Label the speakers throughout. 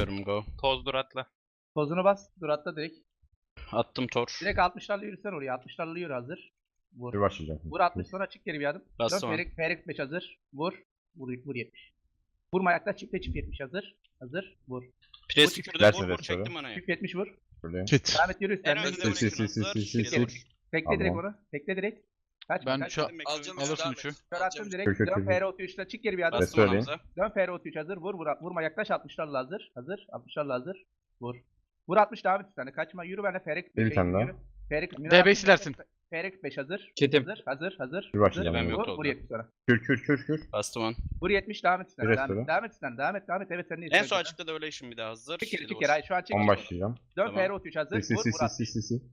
Speaker 1: Atıyorum go.
Speaker 2: Toz dur atla.
Speaker 3: Tozunu bas. Dur atla direkt.
Speaker 1: Attım tor.
Speaker 3: Direkt 60'larla yürüsen oraya. 60'larla yürü hazır. Vur.
Speaker 4: Bir başlayacağım.
Speaker 3: Vur 60 sonra çık geri bir adım.
Speaker 1: Bastım
Speaker 3: Dön
Speaker 1: abi.
Speaker 3: Ferik 5 hazır. Vur. Vur 70. Vurma ayakta çifte 70 hazır. Hazır. Vur.
Speaker 1: Pres
Speaker 3: Bu
Speaker 1: tükürdü
Speaker 4: derse
Speaker 1: vur
Speaker 4: de
Speaker 1: vur çektim
Speaker 4: sonra.
Speaker 1: manayı.
Speaker 3: Çift 70 vur.
Speaker 4: Böyle.
Speaker 5: Kit.
Speaker 3: Devam et yürü
Speaker 2: En
Speaker 3: üstten.
Speaker 2: önde
Speaker 4: Sil,
Speaker 2: vurayım
Speaker 4: sil,
Speaker 2: şunu
Speaker 4: sil,
Speaker 2: hazır.
Speaker 4: sil,
Speaker 2: Yedi
Speaker 4: sil.
Speaker 2: vur.
Speaker 3: Bekle direkt
Speaker 4: Tamam.
Speaker 3: onu. Bekle direkt. Kaç
Speaker 5: Ben
Speaker 3: kaç.
Speaker 5: şu
Speaker 2: Alacağım
Speaker 5: alırsın üçü.
Speaker 3: Kör attım direkt.
Speaker 4: Kör, kör,
Speaker 3: Dön
Speaker 4: kör.
Speaker 3: FR33'le çık geri bir adım.
Speaker 1: Bastım
Speaker 4: söyleyeyim.
Speaker 1: Hamza.
Speaker 3: Dön FR33 hazır. Vur vur. Vurma yaklaş 60'larla hazır. Hazır. 60'larla hazır. Vur. Vur 60 devam et üstüne. Kaçma. Yürü benimle Ferik.
Speaker 4: Bir tane daha.
Speaker 3: Ferik.
Speaker 5: DB silersin.
Speaker 3: Ferik 5 hazır.
Speaker 6: Çetim.
Speaker 3: Hazır.
Speaker 4: Bir başlayacağım.
Speaker 1: Ben
Speaker 3: Vur.
Speaker 1: yok
Speaker 3: Vur
Speaker 1: oldu.
Speaker 3: 70 sonra.
Speaker 4: Kür.
Speaker 1: Bastım on.
Speaker 3: Vur 70 devam et üstüne.
Speaker 4: Direkt
Speaker 3: Devam
Speaker 4: sonra.
Speaker 3: et. Devam et üstüne. Devam et. Evet sen de
Speaker 1: En son açıkta da öyle işim bir daha hazır.
Speaker 3: Çık geri
Speaker 1: Yedi
Speaker 3: çık
Speaker 1: vur.
Speaker 3: geri. Hayır, şu an çek.
Speaker 4: 10 başlayacağım.
Speaker 3: Dön
Speaker 1: Tamam.
Speaker 3: FR33 hazır.
Speaker 4: Sil,
Speaker 3: Vur.
Speaker 4: sil,
Speaker 3: Vur
Speaker 4: sil,
Speaker 3: 60.
Speaker 4: sil, sil.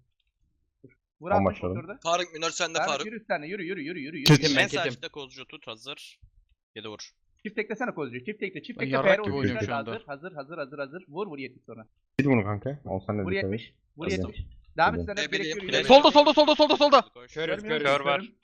Speaker 3: Vur
Speaker 4: On
Speaker 3: 60
Speaker 4: başladım.
Speaker 3: oturdu.
Speaker 6: Faruk Minör sende
Speaker 3: Devam et
Speaker 6: Faruk.
Speaker 3: yürü üstüne. Yürü.
Speaker 5: Ketim
Speaker 1: En
Speaker 5: ben
Speaker 1: sağ
Speaker 5: ketim.
Speaker 1: açıkta kozcu tut hazır. 7 vur.
Speaker 3: Çift teklesene kozcuyu. Çift tekle. Çift
Speaker 5: Ben
Speaker 3: tekle.
Speaker 5: yarrak
Speaker 4: gibi oynuyorum
Speaker 5: şu anda.
Speaker 3: Hazır. Vur 70 sonra.
Speaker 4: Sil bunu kanka. Olsan ne
Speaker 3: Vur
Speaker 4: dikkat et.
Speaker 3: 70. Vur
Speaker 4: Hazır.
Speaker 3: 70. Devam et
Speaker 4: Hazır.
Speaker 3: üstüne. Direkt
Speaker 6: Bileyim.
Speaker 3: yürü.
Speaker 5: Solda.
Speaker 1: Koş.
Speaker 6: Körüz
Speaker 3: Görmüyorum,
Speaker 2: Kör var.
Speaker 3: görmüyorum.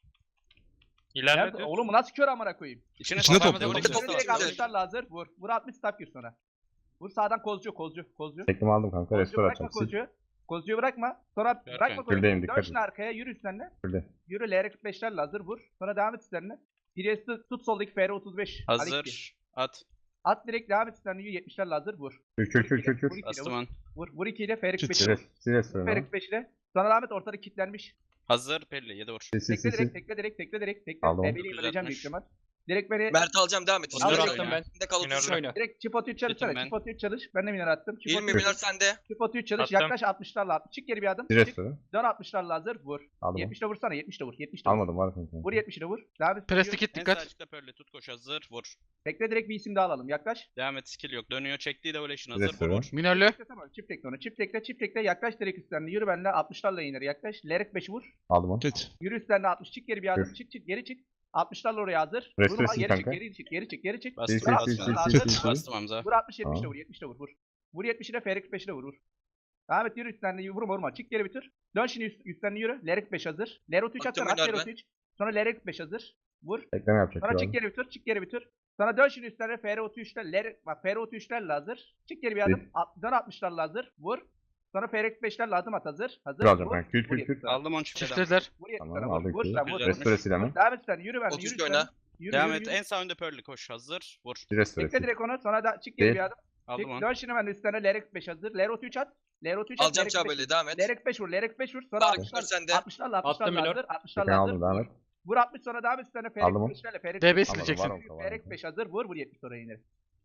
Speaker 2: İlerle
Speaker 3: Nerede?
Speaker 2: düz.
Speaker 3: Oğlum bu nasıl kör amına koyayım?
Speaker 1: İçine
Speaker 5: İçine
Speaker 1: topla,
Speaker 5: topla,
Speaker 1: vur,
Speaker 6: içine
Speaker 1: içine
Speaker 6: topla.
Speaker 3: Direkt
Speaker 1: topla.
Speaker 3: 60'larla hazır. Vur. Vur 60 stop gir sonra. Vur sağdan kozcu.
Speaker 4: Teklimi aldım kanka.
Speaker 3: Kozcuyu
Speaker 4: Restore
Speaker 3: bırakma
Speaker 4: atacağım. Sil.
Speaker 3: kozcuyu. Kozcuyu bırakma. Sonra
Speaker 1: Gör
Speaker 3: bırakma
Speaker 1: kanka.
Speaker 3: kozcuyu.
Speaker 4: Gürdeyim,
Speaker 3: Dön
Speaker 4: dikkat
Speaker 3: şimdi arkaya. Yürü üstlerine.
Speaker 4: Şurada.
Speaker 3: Yürü LR45'lerle hazır. Vur. Sonra devam et üstlerine. Birisi tut soldaki FR35.
Speaker 1: Hazır. At.
Speaker 3: At direkt devam et üstlerine. 70'lerle hazır. Vur.
Speaker 4: Kür.
Speaker 3: Vur 2'yle
Speaker 1: Bastım
Speaker 3: vur.
Speaker 1: on.
Speaker 3: Vur 2 ile Ferik
Speaker 5: Çıt.
Speaker 3: 5
Speaker 4: Sil,
Speaker 3: ile.
Speaker 4: sil restore.
Speaker 3: Ferik 5 ile. Sonra devam et ortada kilitlenmiş.
Speaker 1: Hazır. Pelli 7 vur.
Speaker 4: Sil.
Speaker 3: Tekle direkt.
Speaker 4: Aldım.
Speaker 3: Ebeleyim öleceğim büyük ihtimal. Direkt beni
Speaker 6: Mert alacağım devam et.
Speaker 1: Minör
Speaker 6: Minör
Speaker 1: attım
Speaker 6: attım
Speaker 1: ben.
Speaker 6: ben. De kal
Speaker 2: Minör
Speaker 6: 33
Speaker 2: oyna.
Speaker 6: oyna.
Speaker 3: direkt çip atıyor çalışsana.
Speaker 1: Gittim ben.
Speaker 3: Çip atıyor çalış. Ben de minör attım. Çip
Speaker 6: 20
Speaker 3: atıyor.
Speaker 6: Minör sende.
Speaker 3: Çip atıyor çalış.
Speaker 2: Attım.
Speaker 3: Yaklaş 60'larla at. Çık geri bir adım.
Speaker 4: Sil
Speaker 3: Çık.
Speaker 4: restore.
Speaker 3: Dön 60'larla hazır. Vur.
Speaker 4: Aldım.
Speaker 3: 70 de vursana. 70 de vur. 70 de vur.
Speaker 4: Almadım var kanka.
Speaker 3: Vur 70 de vur. Devam et.
Speaker 5: Presti kit
Speaker 1: En sağ
Speaker 5: dikkat.
Speaker 1: açıkta Pelli tut koş hazır. Vur.
Speaker 3: Tekle direkt bir isim daha alalım. Yaklaş.
Speaker 1: Devam et skill yok. Dönüyor çektiği de öyle işin hazır. Vur
Speaker 4: Restore.
Speaker 1: vur.
Speaker 5: Minörlü.
Speaker 3: Çift tekle onu. Çift tekle. Yaklaş direkt üstlerine. Yürü benimle. 60'larla iner. Yaklaş. Lerik 5'i vur.
Speaker 4: Aldım onu.
Speaker 5: Kit.
Speaker 3: Yürü üstlerine 60. Çık geri bir adım.
Speaker 4: Yürü.
Speaker 3: Çık. Geri çık. 60'larla oraya hazır.
Speaker 4: Restore
Speaker 3: Vurma.
Speaker 4: sil
Speaker 3: Geri çık.
Speaker 4: kanka.
Speaker 3: Geri çık.
Speaker 1: Bastım.
Speaker 4: Sil, sil,
Speaker 1: Bastım.
Speaker 4: sil.
Speaker 1: Bastım Hamza.
Speaker 3: Vur 60 70 de
Speaker 4: Tamam.
Speaker 3: vur. 70 de vur. Vur 70 ile Ferik 5'i de vur. Devam et yürü üstlerine. Vurma. Çık geri bitir. Dön şimdi üstlerine yürü. Lerik 5 hazır. Lerik 3
Speaker 6: Baktım
Speaker 3: atsana. At
Speaker 6: oynar
Speaker 3: Lerik
Speaker 6: ben.
Speaker 3: 3. Sonra Lerik 5 hazır. Vur.
Speaker 4: Tekleme yapacak.
Speaker 3: Sonra
Speaker 4: şu
Speaker 3: çık
Speaker 4: an.
Speaker 3: geri bitir. Sonra dön şimdi üstlerine FR33'ler. Bak FR33'lerle hazır. Çık geri bir adım. Dön 60'larla hazır. Vur. Sonra FR45'lerle adım at hazır. Hazır.
Speaker 4: Kür alacağım
Speaker 3: Vur.
Speaker 4: kanka. Kür.
Speaker 3: Vur 70 sonra.
Speaker 1: Aldım 10 çifteden.
Speaker 5: Çiftlediler.
Speaker 3: Vur 70
Speaker 4: Tamam
Speaker 3: sonra. Vur.
Speaker 4: aldık.
Speaker 3: Vur sen vur.
Speaker 1: Güzel.
Speaker 4: Restore sil hemen.
Speaker 3: Devam et sen. Yürü ben.
Speaker 6: 33
Speaker 3: Yürü
Speaker 6: oyna.
Speaker 3: sen. Yürü
Speaker 1: Devam
Speaker 3: yürü,
Speaker 1: et.
Speaker 3: yürü.
Speaker 1: En sağ önde Pearl'li koş hazır. Vur.
Speaker 4: Restore
Speaker 3: Bekle
Speaker 4: sil.
Speaker 3: direkt onu. Sonra da çık geri
Speaker 4: Değil.
Speaker 3: bir adım.
Speaker 1: Aldım onu.
Speaker 3: Dön şimdi ben üstlerine Lerik 5 hazır. Lerik 3 at. Lerik 3 at.
Speaker 6: Alacağım
Speaker 3: Lerik 5
Speaker 6: Çağbeli devam et.
Speaker 3: Lerik 5 vur. Lerik 5 vur. Sonra
Speaker 6: Faruk
Speaker 3: 60'larla.
Speaker 6: Minör sende.
Speaker 3: 60'larla
Speaker 2: Attım minör.
Speaker 3: hazır. 60'larla
Speaker 4: Tekleme
Speaker 3: hazır.
Speaker 4: aldım devam et.
Speaker 3: Vur 60 sonra devam et üstlerine Ferik
Speaker 4: Aldım onu.
Speaker 3: 5'lerle. Ferik
Speaker 5: DB
Speaker 3: 5
Speaker 5: sileceksin.
Speaker 4: Var o, var o.
Speaker 3: Ferik 5 hazır. Vur 70 sonra yine.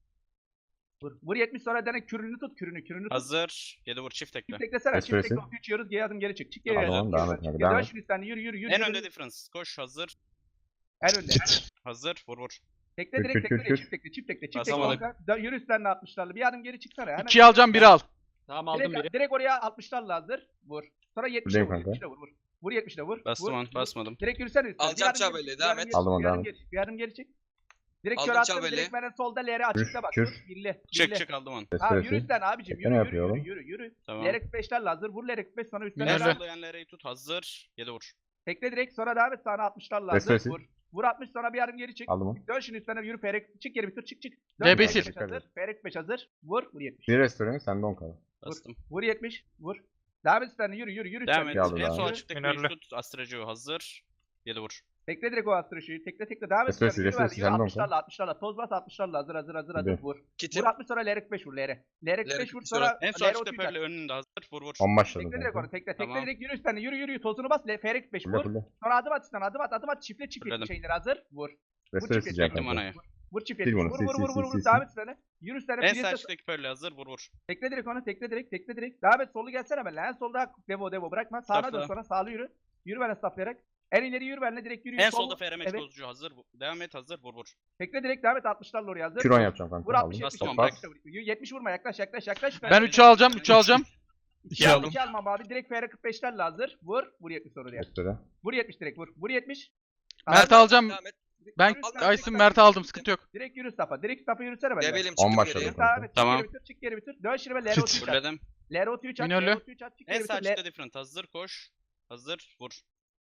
Speaker 3: Vur 70 sonra dene kürünü tut. Kürünü tut.
Speaker 1: Hazır. 7 vur çift tekle.
Speaker 3: Çift teklesene. Çift
Speaker 4: Espresso.
Speaker 3: tekle 3 yiyoruz. Geri adım geri çık. Çık geri.
Speaker 4: Aldım
Speaker 3: adım,
Speaker 4: onu,
Speaker 3: geri
Speaker 4: devam
Speaker 3: adım,
Speaker 4: et,
Speaker 3: çık
Speaker 4: hadi,
Speaker 3: geri.
Speaker 4: devam
Speaker 3: Dön
Speaker 4: et.
Speaker 3: şimdi üstlerine yürü.
Speaker 1: En önde difference. Koş hazır.
Speaker 3: En önde.
Speaker 5: Kit.
Speaker 1: Hazır. Vur vur.
Speaker 3: Tekle
Speaker 4: Kür,
Speaker 3: direkt
Speaker 4: kür,
Speaker 3: tekle.
Speaker 4: kür.
Speaker 3: Çift tekle.
Speaker 1: Basamadık.
Speaker 3: Yürü üstlerine 60'larla. Bir adım geri çıksana. Hemen.
Speaker 5: 2'yi alacağım 1'i al.
Speaker 2: Tamam aldım biri.
Speaker 3: Direkt oraya 60'larla hazır. Vur. Sonra 70'le
Speaker 4: Buradayım
Speaker 3: vur.
Speaker 4: kanka.
Speaker 3: 70'le vur. Vur 70'le vur.
Speaker 1: Bastım
Speaker 3: Vur.
Speaker 1: on. Basmadım.
Speaker 3: Direkt yürüsene üstüne.
Speaker 6: Alacağım
Speaker 3: Bir adım
Speaker 6: Çağbeli,
Speaker 3: geri-
Speaker 6: devam
Speaker 3: bir adım
Speaker 6: et.
Speaker 3: geri-
Speaker 4: Aldım onu,
Speaker 3: bir adım
Speaker 4: devam
Speaker 3: geri- Bir adım geri çık. Direkt
Speaker 6: Aldım
Speaker 3: kör attım.
Speaker 6: Çağbeli.
Speaker 3: Direkt benden solda L'ye açıkta bak.
Speaker 4: Kür.
Speaker 3: Dur. Birli.
Speaker 1: Çık aldım onu.
Speaker 3: Tamam
Speaker 4: Restore
Speaker 3: yürü
Speaker 4: sil.
Speaker 3: üstten abicim.
Speaker 4: Tekne yapıyor
Speaker 3: Yürü.
Speaker 1: Tamam.
Speaker 3: Lerek 5'lerle hazır. Vur Lerek 5 sonra üstten
Speaker 5: Minörlü.
Speaker 3: helal.
Speaker 1: Sollayanları tut hazır. 7 vur.
Speaker 3: Tekle direkt sonra devam et sana 60'larla
Speaker 4: Restore
Speaker 3: hazır.
Speaker 4: sil.
Speaker 3: Vur. Vur 60 sonra bir adım geri çık.
Speaker 4: Aldım onu.
Speaker 3: Dön şimdi üstüne yürü Ferek. Çık geri bitir çık.
Speaker 5: DB
Speaker 3: Ferek
Speaker 5: sil.
Speaker 3: 5 hazır. Ferek 5 hazır. Vur. Vur 70.
Speaker 4: Bir restore sende 10 kaldı.
Speaker 1: Bastım.
Speaker 3: Vur 70. Vur. Devam et üstüne yürü.
Speaker 1: Devam
Speaker 3: üstüne.
Speaker 1: et.
Speaker 4: Aldım
Speaker 1: En
Speaker 4: abi.
Speaker 1: sol açıktaki
Speaker 2: Minörlü.
Speaker 1: bir tut. Astracı hazır. 7 vur.
Speaker 3: Tekle direkt o astroşuyu. Tekle. Devam et.
Speaker 4: Restore
Speaker 3: üstüne. Yürü
Speaker 4: sil,
Speaker 3: ver,
Speaker 4: restore
Speaker 3: yürü
Speaker 4: sil,
Speaker 3: 60'larla. Toz bas 60'larla hazır.
Speaker 4: Bir.
Speaker 3: Vur.
Speaker 6: Kitim.
Speaker 3: Vur 60 sonra Lerek 5 vur Lere. Lerek 5
Speaker 6: Lerek
Speaker 3: vur
Speaker 6: bir
Speaker 3: sonra
Speaker 1: En sol
Speaker 3: Lere
Speaker 1: açıkta
Speaker 3: 33
Speaker 1: Pearl'li önünde hazır. Vur.
Speaker 4: 10 başladım
Speaker 3: Tekle direkt
Speaker 4: kanka.
Speaker 3: onu. Tekle
Speaker 1: Tamam.
Speaker 3: direkt yürü üstüne. Yürü. Tozunu bas. Ferek 5
Speaker 4: Fulle
Speaker 3: vur.
Speaker 4: fulle.
Speaker 3: Sonra adım at üstüne. Adım at. Çiftle
Speaker 1: Fırladım.
Speaker 3: şeyleri hazır. Vur.
Speaker 4: Restore
Speaker 3: çift
Speaker 4: sileceğim
Speaker 1: Çektim
Speaker 4: kanka.
Speaker 1: manayı.
Speaker 3: Vur çift
Speaker 4: Sil
Speaker 3: yetmiş.
Speaker 4: bunu,
Speaker 3: Vur.
Speaker 4: sil.
Speaker 3: Devam et üstüne. Yürü üstüne.
Speaker 1: En sağ
Speaker 3: Priest'e-
Speaker 1: açıktaki Pearl'li hazır. Vur.
Speaker 3: Tekle direkt onu. Tekle direkt. Devam et. Solu gelsene benimle. En solda Devo bırakma. Sağına
Speaker 1: Stopla.
Speaker 3: dön sonra. Sağlı yürü. Yürü benimle staplayarak. En ileri yürü benimle direkt yürü.
Speaker 1: En
Speaker 3: Sol-
Speaker 1: solda FRMH
Speaker 3: Evet.
Speaker 1: bozucu hazır. Devam et hazır. Vur.
Speaker 3: Tekle direkt devam et. 60'larla oraya hazır.
Speaker 4: Küron yapacağım kanka.
Speaker 3: Vur 60
Speaker 4: Aldım.
Speaker 3: 70.
Speaker 1: Bastım,
Speaker 4: Bas.
Speaker 3: 70 vurma. Yaklaş.
Speaker 5: Ben 3'ü alacağım 3'ü alacağım.
Speaker 3: 2
Speaker 5: aldım.
Speaker 3: almam abi. Direkt FR45'lerle hazır. Vur. Vur 70 sonra oraya.
Speaker 4: Restore.
Speaker 3: Vur 70 direkt vur. Vur 70.
Speaker 5: Mert'i alacağım.
Speaker 6: Devam et.
Speaker 5: Ben
Speaker 3: Yürü üstüne,
Speaker 5: Aysin
Speaker 3: tekle.
Speaker 5: Mert'i aldım sıkıntı yok.
Speaker 3: Direkt yürü staff'a. Direkt staff'a yürüsene benimle.
Speaker 6: Debelim
Speaker 4: 10
Speaker 6: çıktım
Speaker 4: başladım
Speaker 6: geriye.
Speaker 4: kanka.
Speaker 3: Devam et.
Speaker 1: Tamam.
Speaker 3: Çık geri bitir. Dön şimdi ben
Speaker 4: Kit.
Speaker 3: L33 at.
Speaker 1: Fulledim.
Speaker 3: L33 at.
Speaker 5: Minörlü.
Speaker 3: L33 at. Çık
Speaker 1: En
Speaker 3: geri
Speaker 1: sağ
Speaker 3: bitir.
Speaker 1: açıkta different hazır. Koş. Hazır. Vur.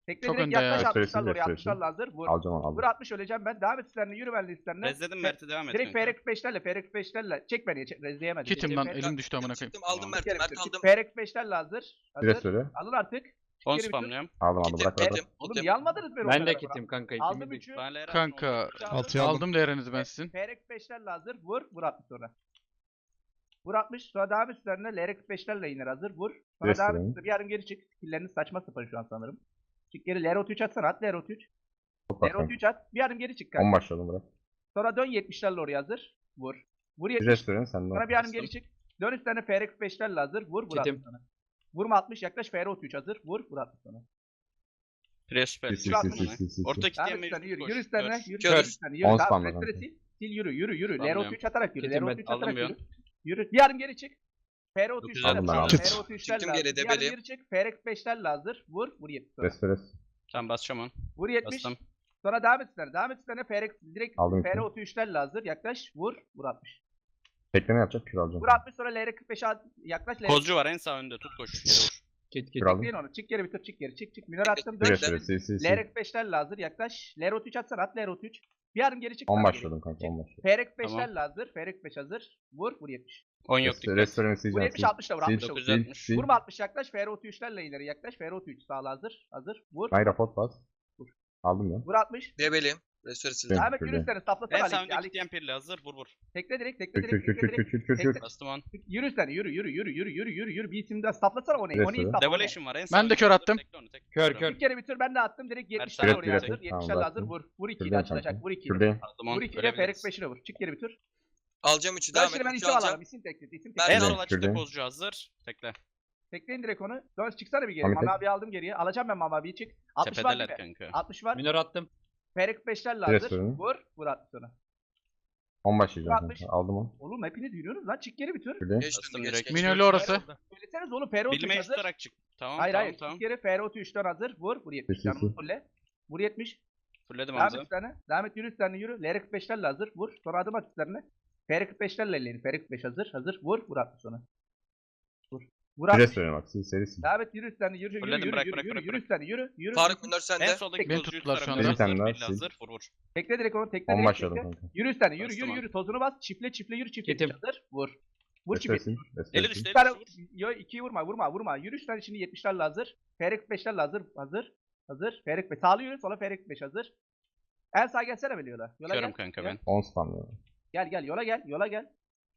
Speaker 3: Tekle
Speaker 5: Çok
Speaker 3: direkt
Speaker 5: önde ya.
Speaker 3: yaklaş
Speaker 4: Restoresi,
Speaker 3: 60'larla oraya.
Speaker 4: restoresi.
Speaker 3: 60'larla hazır. Vur.
Speaker 4: Alacağım onu
Speaker 3: Vur
Speaker 4: aldım.
Speaker 3: 60 öleceğim ben. Devam et üstlerine. Yürü benle üstlerine.
Speaker 1: Rezledim Mert'i devam et
Speaker 3: Direkt
Speaker 1: kanka.
Speaker 3: FR45'lerle. FR45'lerle. Çek beni. Rezleyemedim.
Speaker 5: Kitim lan elim düştü amına koyayım.
Speaker 6: Çıktım aldım
Speaker 1: Tamam.
Speaker 6: Mert'i. Mert aldım.
Speaker 3: FR45'lerle hazır.
Speaker 4: Bir
Speaker 3: Hazır.
Speaker 4: söyle.
Speaker 3: Alın artık.
Speaker 1: 10
Speaker 3: Geri bir tur.
Speaker 1: spamlıyorum.
Speaker 4: Aldım
Speaker 6: Kitim,
Speaker 4: bırak bırak.
Speaker 6: kitim,
Speaker 3: Oğlum
Speaker 6: kitim.
Speaker 3: niye almadınız beni o
Speaker 7: Ben de
Speaker 3: kadar?
Speaker 7: kitim kanka.
Speaker 3: Aldım
Speaker 7: ikimiz de
Speaker 3: 3'ü.
Speaker 1: Ben Lera
Speaker 5: Kanka
Speaker 3: Altıya
Speaker 5: aldım değerinizi ben sizin.
Speaker 3: FR45'lerle hazır. Vur. Vur 60 sonra. Vur 60. Sonra devam et üstlerine. LR45'lerle iner hazır. Vur. Sonra devam
Speaker 4: Restoran.
Speaker 3: et. Bir yarım geri çık. Skill'leriniz saçma sapan şu an sanırım. Çık geri. LR33 atsana. At LR33.
Speaker 4: Çok bak kanka.
Speaker 3: LR33 at. Bir yarım geri çık
Speaker 4: 10
Speaker 3: kanka.
Speaker 4: başladım bırak.
Speaker 3: Sonra dön 70'lerle oraya hazır. Vur. Vur
Speaker 4: Bir
Speaker 3: 70.
Speaker 4: restoran senden.
Speaker 3: Sonra bir yarım geri çık. Dön üstlerine FR45'lerle hazır. Vur. Vur
Speaker 7: Kitim.
Speaker 3: 60 sana. Vurma 60. Yaklaş FR33 hazır. Vur. Vur 60 sana.
Speaker 1: Pres süper.
Speaker 4: Sil,
Speaker 3: sil, sil,
Speaker 1: Orta
Speaker 3: Devam
Speaker 1: kitleyen
Speaker 3: et üstlerine
Speaker 1: mevcut
Speaker 3: yürü.
Speaker 1: koş.
Speaker 3: Yürü üstlerine.
Speaker 1: Kör.
Speaker 3: Yürü.
Speaker 6: Kör.
Speaker 3: Yürü üstlerine. Yürü.
Speaker 4: 10
Speaker 3: Tamam.
Speaker 4: spamla
Speaker 3: Restore
Speaker 4: kanka.
Speaker 3: sil. Sil yürü. Yürü. Yürü.
Speaker 1: Spamlıyorum.
Speaker 3: LR33 atarak yürü.
Speaker 7: Kitim ben.
Speaker 3: LR33
Speaker 1: Aldım
Speaker 3: atarak
Speaker 1: bir
Speaker 3: yürü.
Speaker 1: an.
Speaker 3: Yürü. Bir yarım geri çık. FR33'lerle
Speaker 1: Aldım
Speaker 4: ben,
Speaker 3: hazır.
Speaker 4: aldım.
Speaker 3: FR33'lerle
Speaker 6: Çıktım
Speaker 3: hazır.
Speaker 6: geri,
Speaker 3: Bir yarım
Speaker 6: debeli.
Speaker 3: geri çık. FR45'lerle hazır. Vur. Vur 70 sonra.
Speaker 4: Restores.
Speaker 1: Tamam basacağım onu.
Speaker 3: Vur 70.
Speaker 1: Bastım.
Speaker 3: Sonra devam et üstlerine. Devam et üstlerine. Direkt
Speaker 4: Aldım iki.
Speaker 3: FR33'lerle hazır. Yaklaş. Vur. Vur 60.
Speaker 4: Tekleme yapacak kür alacağım.
Speaker 3: Vur 60 sonra LR45'e yaklaş.
Speaker 1: Kozcu var en sağ önde. Tut koş. Yere vur.
Speaker 7: Kit
Speaker 4: Kür aldım.
Speaker 3: Bekleyin onu. Çık geri bitir. Çık geri. Çık çık. Minör attım.
Speaker 4: Bir
Speaker 3: Dön.
Speaker 4: restore sil sil sil.
Speaker 3: LR45'lerle hazır. Yaklaş. LR33 atsana. At LR33. Bir yarım geri çık.
Speaker 4: 10
Speaker 3: sağ
Speaker 4: başladım kanka 10 başladım.
Speaker 3: FR45'lerle hazır. FR45 hazır. Vur. Vur 70.
Speaker 1: 10 yok dikkat.
Speaker 4: Restoranı
Speaker 3: Vur
Speaker 4: sileceğim.
Speaker 3: 70 60 da vur. 60 da vur.
Speaker 1: 960.
Speaker 3: Vurma 60 yaklaş. FR33'lerle ileri yaklaş. FR33 sağla hazır. Hazır. Vur.
Speaker 4: Mayra pot bas.
Speaker 3: Vur.
Speaker 4: Aldım ya.
Speaker 3: Vur 60.
Speaker 6: Debeliyim. Restore sildim.
Speaker 4: Evet,
Speaker 3: Ahmet
Speaker 4: şöyle.
Speaker 3: yürü üstlerine.
Speaker 1: En
Speaker 3: Saplasana
Speaker 1: sağ
Speaker 3: Ali.
Speaker 1: önde
Speaker 3: Ali.
Speaker 1: kitleyen pirli hazır. Vur vur.
Speaker 3: Tekle direkt. Tekle
Speaker 4: Kür
Speaker 3: direkt.
Speaker 4: kür kür
Speaker 3: Tekle
Speaker 4: kür
Speaker 3: direkt.
Speaker 4: kür kür kür.
Speaker 1: Bastım on.
Speaker 3: Yürü üstlerine. Yürü yürü yürü yürü yürü yürü yürü yürü. Bir isim daha saplasana onu.
Speaker 4: Evet,
Speaker 3: Onu iyi
Speaker 4: evet.
Speaker 3: sapla.
Speaker 1: Devolution var en sağ
Speaker 5: Ben de
Speaker 1: önde
Speaker 5: kör
Speaker 1: hazır.
Speaker 5: attım.
Speaker 1: Tekle onu, tekle.
Speaker 7: Kör,
Speaker 1: Vur.
Speaker 7: kör.
Speaker 3: Bir kere bitir ben de attım direkt 70'ler
Speaker 1: Evet,
Speaker 3: oraya
Speaker 4: evet,
Speaker 3: hazır.
Speaker 4: evet.
Speaker 3: 70'ler
Speaker 4: Tamam,
Speaker 3: hazır.
Speaker 4: bastım.
Speaker 3: Vur. Vur 2'yi de
Speaker 4: Şuradan
Speaker 3: açılacak.
Speaker 4: kanka.
Speaker 3: Vur 2'yi de.
Speaker 4: Şuradayım.
Speaker 1: Aldım on.
Speaker 3: Vur 2'yi de
Speaker 1: Görebiliriz.
Speaker 3: FR45'ine vur. Çık geri bitir.
Speaker 6: Alacağım 3'ü
Speaker 3: Ben
Speaker 6: devam
Speaker 3: şimdi ben
Speaker 6: et. 3'ü
Speaker 3: isim alalım.
Speaker 6: alacağım.
Speaker 3: İsim tekledi. İsim
Speaker 6: Ben
Speaker 1: En
Speaker 3: tekledi.
Speaker 6: de-
Speaker 1: sol açıkta
Speaker 4: şuradayım.
Speaker 1: kozcu hazır. Tekle.
Speaker 3: Tekleyin direkt onu. Dön çıksana bir geri.
Speaker 4: Ahmet
Speaker 3: Mami
Speaker 4: et.
Speaker 3: abi aldım geriye. Alacağım ben Mami abiyi çık. 60 var
Speaker 1: Tepedeler
Speaker 3: değil mi?
Speaker 1: kanka.
Speaker 3: 60 var.
Speaker 7: Minör attım.
Speaker 3: FR45'lerle
Speaker 4: Biraz
Speaker 3: hazır.
Speaker 4: sonra.
Speaker 3: Vur. Vur 60 sonra.
Speaker 4: 10 başlayacağım
Speaker 3: Altmış.
Speaker 4: kanka. Aldım onu.
Speaker 3: Oğlum hepiniz yürüyorsunuz lan. Çık geri bitir.
Speaker 4: Şuradayım.
Speaker 6: Geç
Speaker 1: Bastım
Speaker 6: geç,
Speaker 1: direkt.
Speaker 6: geç.
Speaker 5: Minörlü orası.
Speaker 3: Söyleseniz oğlum FR33
Speaker 1: Bilmeyi
Speaker 3: hazır.
Speaker 1: tutarak çık. Tamam
Speaker 3: Hayır
Speaker 1: tamam
Speaker 3: hayır.
Speaker 1: tamam.
Speaker 3: Çık geri FR33'ten hazır. Vur. Vur 70.
Speaker 4: Sil, sil,
Speaker 3: Canımı
Speaker 4: sil.
Speaker 3: fulle. Vur 70.
Speaker 1: Fulledim
Speaker 3: Devam et
Speaker 1: Hamza.
Speaker 3: üstlerine. Devam et yürü üstlerine yürü. LR45'lerle hazır. Vur. Sonra adım at üstlerine. FR45'lerle ileri. FR45 hazır. Hazır. Vur. Vur 60 sonra. Vur. Vur
Speaker 4: Bir
Speaker 3: 60.
Speaker 4: restoran bak sil serisi.
Speaker 3: Devam et yürü üstlerine. Yürü yürü
Speaker 1: Fulledim,
Speaker 3: yürü
Speaker 1: bırak,
Speaker 3: yürü
Speaker 1: bırak,
Speaker 3: yürü
Speaker 1: bırak,
Speaker 3: yürü
Speaker 1: bırak.
Speaker 3: üstlerine yürü. Yürü.
Speaker 6: Faruk Minör sende.
Speaker 1: En soldaki
Speaker 5: Beni
Speaker 1: kozcu
Speaker 5: tuttular
Speaker 1: üst
Speaker 5: şu
Speaker 1: tarafında
Speaker 5: anda.
Speaker 4: Bir tane
Speaker 1: hazır.
Speaker 4: daha
Speaker 1: Belli
Speaker 4: sil.
Speaker 1: hazır. Vur vur.
Speaker 3: Tekle direkt onu. Tekle
Speaker 4: 10
Speaker 3: direkt.
Speaker 4: başladım
Speaker 3: Tekle.
Speaker 4: kanka.
Speaker 3: Yürü üstlerine. Yürü
Speaker 1: Bastım
Speaker 3: yürü
Speaker 1: abi.
Speaker 3: yürü. Tozunu bas. Çifle çifle yürü. Çifle
Speaker 7: Yetim.
Speaker 3: hazır. Vur. Vur
Speaker 4: Restore
Speaker 3: çifle.
Speaker 4: sil.
Speaker 1: Eli
Speaker 4: Restore sil.
Speaker 1: düştü.
Speaker 3: Bir
Speaker 1: Eli
Speaker 3: tane
Speaker 1: düştü. Vur.
Speaker 3: yo 2'yi vurma vurma vurma. Yürü üstlerine şimdi 70'lerle hazır. FR45'lerle hazır. Hazır. Hazır. FR45. Sağlı yürü. Sola FR45 hazır. En sağ gelsene böyle yola. Yola
Speaker 1: Körüm
Speaker 3: gel.
Speaker 1: kanka
Speaker 3: Gel.
Speaker 1: ben.
Speaker 4: 10 spam ya.
Speaker 3: Gel gel yola gel. Yola gel.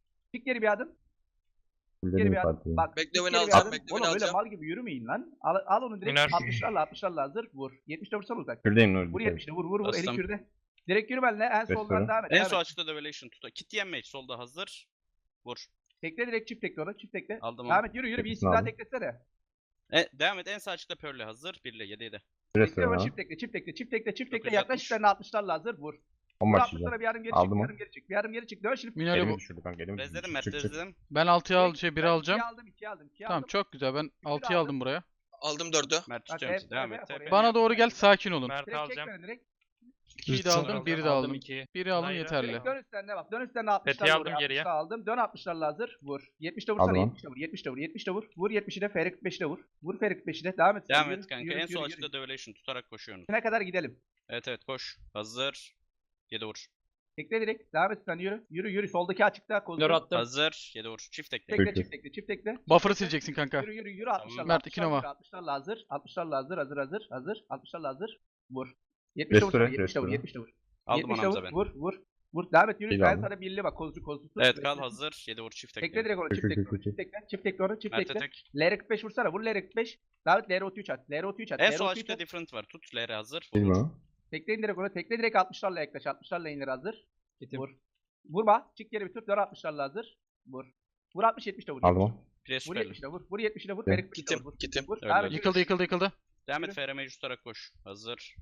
Speaker 3: Çık geri bir adım. Geri
Speaker 4: Fulledim
Speaker 3: bir adım.
Speaker 4: partiyi.
Speaker 3: Bak.
Speaker 6: Bekle,
Speaker 3: çık
Speaker 6: beni
Speaker 3: geri bir
Speaker 6: alacağım,
Speaker 3: adım.
Speaker 6: bekle, beni
Speaker 3: Oğlum öyle
Speaker 6: alacağım.
Speaker 3: mal gibi yürümeyin lan. Al onu direkt
Speaker 2: Minör.
Speaker 3: 60'larla hazır. Vur. 70'de vursana uzak.
Speaker 4: Şuradayım Nur.
Speaker 3: Vur
Speaker 4: dikkat et.
Speaker 3: 70'de vur vur vur. Eli
Speaker 1: Bastım.
Speaker 3: kürde. Direkt yürü benimle. En soldan
Speaker 4: Restoran.
Speaker 3: devam et.
Speaker 1: En
Speaker 3: devam
Speaker 1: sol
Speaker 3: et.
Speaker 1: açıkta Devolution tut. Kit mage solda hazır. Vur.
Speaker 3: Tekle direkt çift tekle onu. Çift tekle.
Speaker 1: Aldım
Speaker 3: Devam
Speaker 1: onu.
Speaker 3: et yürü yürü. Bir
Speaker 4: Teklisini
Speaker 3: isim daha
Speaker 4: aldım.
Speaker 3: teklesene.
Speaker 1: Devam et en sağ açıkta Pearl'le hazır. 1 ile 7 7.
Speaker 4: Bir
Speaker 3: Tekle
Speaker 4: restoran
Speaker 3: ama
Speaker 4: ha.
Speaker 3: çift tekle çift tekle çift tekle çift tekle.
Speaker 1: 960.
Speaker 3: Yaklaş üzerine 60'larla hazır. Vur.
Speaker 4: 10
Speaker 3: Vur
Speaker 4: başlayacağım.
Speaker 3: 60'lara bir yarım geri
Speaker 4: Aldım
Speaker 3: çık. Bir
Speaker 4: onu.
Speaker 3: yarım geri çık. Bir yarım geri çık. Dön şimdi.
Speaker 5: Minörlü
Speaker 4: Elimi
Speaker 5: bu.
Speaker 4: düşürdü kanka elimi düşürdü.
Speaker 1: Rezledim Mert
Speaker 4: Çık çık.
Speaker 1: rezledim.
Speaker 5: Ben 6'ya al 1'i alacağım.
Speaker 3: 2 aldım 2 aldım 2
Speaker 5: Tamam
Speaker 3: aldım.
Speaker 5: çok güzel. Ben 6'yı
Speaker 3: aldım.
Speaker 5: aldım buraya.
Speaker 6: Aldım 4'ü.
Speaker 1: Mert
Speaker 3: Bak,
Speaker 1: tutuyorum sizi.
Speaker 3: hep-
Speaker 1: Devam
Speaker 3: hep
Speaker 1: et.
Speaker 3: oraya.
Speaker 5: Bana doğru gel sakin olun.
Speaker 2: Mert
Speaker 3: Direkt çek
Speaker 2: alacağım.
Speaker 3: beni direkt.
Speaker 5: 2'yi de aldım 1'i de aldım.
Speaker 2: 2.
Speaker 5: 1'i aldım
Speaker 2: Hayır,
Speaker 5: yeterli.
Speaker 3: Direkt dön üstlerine bak. Dön üstlerine 60'larla
Speaker 2: Peti aldım
Speaker 3: oraya.
Speaker 2: geriye.
Speaker 3: 60'larla aldım. Dön 60'larla hazır. Vur. 70'de
Speaker 4: Aldım
Speaker 3: vursana.
Speaker 4: onu.
Speaker 3: 70'de vur. 70'de vur. 70'de vur. Vur 70'i de FR45'de vur. Vur FR45'i de. Devam et.
Speaker 1: Devam
Speaker 3: Yürü,
Speaker 1: et kanka.
Speaker 3: yürü,
Speaker 1: En
Speaker 3: yürü,
Speaker 1: sol
Speaker 3: yürü.
Speaker 1: açıkta Devolution tutarak koşuyorsunuz.
Speaker 3: Ne kadar gidelim.
Speaker 1: Evet evet koş. Hazır. 7 vur.
Speaker 3: Tekle direkt. Devam et sen yürü. Yürü yürü. Soldaki açıkta.
Speaker 7: Minör attım.
Speaker 1: Hazır. 7 vur. Çift tekle.
Speaker 3: Tekle
Speaker 4: Peki.
Speaker 3: çift tekle çift tekle.
Speaker 5: Buffer'ı sileceksin kanka.
Speaker 3: Yürü yürü yürü 60'larla.
Speaker 5: Mert, iki nova.
Speaker 3: 60'larla hazır. 60'larla hazır. Hazır hazır. Hazır. 60'larla hazır. Vur. 70'de vur.
Speaker 4: Restore,
Speaker 3: 70'de vur.
Speaker 4: restore.
Speaker 3: 70'de vur.
Speaker 1: Aldım
Speaker 3: 70'de
Speaker 1: Hamza
Speaker 3: vur.
Speaker 1: ben.
Speaker 3: Vur vur. Vur. Devam et yürü.
Speaker 4: İyi
Speaker 3: Ben
Speaker 4: aldım.
Speaker 3: sana birli bak. Kozcu kozcu.
Speaker 1: Evet kal hazır. 7 vur. Çift
Speaker 3: Tekle
Speaker 1: tekle.
Speaker 3: direkt onu.
Speaker 4: Çek,
Speaker 3: Çift
Speaker 4: çek,
Speaker 3: tekle.
Speaker 4: çek,
Speaker 3: onu,
Speaker 4: çek.
Speaker 3: Çift tekle. Çift tekle onu. Çift
Speaker 1: Mert'e
Speaker 3: tekle.
Speaker 1: tek.
Speaker 3: LR45 vursana. Vur LR45. Davet LR33 at. LR33 at.
Speaker 1: En sol
Speaker 3: LR33
Speaker 1: açıkta
Speaker 3: at.
Speaker 1: different var. Tut. Lere hazır. Vur.
Speaker 4: Bilmiyorum
Speaker 1: vur.
Speaker 4: onu.
Speaker 3: Tekleyin direkt onu. Tekle direkt 60'larla yaklaş. 60'larla indir hazır.
Speaker 7: Kitim.
Speaker 3: Vur. Vurma. Çık geri bir tur. Dön 60'larla hazır. Vur. Vur 60 70'de vur.
Speaker 4: Aldım
Speaker 3: 70'de
Speaker 4: onu.
Speaker 3: vur.
Speaker 1: Pres
Speaker 3: Vur
Speaker 1: süperli.
Speaker 3: 70'de vur. Vur 70'de vur.
Speaker 4: Evet.
Speaker 3: Ferik
Speaker 6: Kitim,
Speaker 3: vur.
Speaker 6: kitim.
Speaker 3: Vur.
Speaker 1: Öyle.
Speaker 3: Devam et.
Speaker 5: Yıkıldı yıkıldı yıkıldı.
Speaker 1: Devam et.
Speaker 3: Yürü.
Speaker 1: FR mage tutarak koş. Hazır.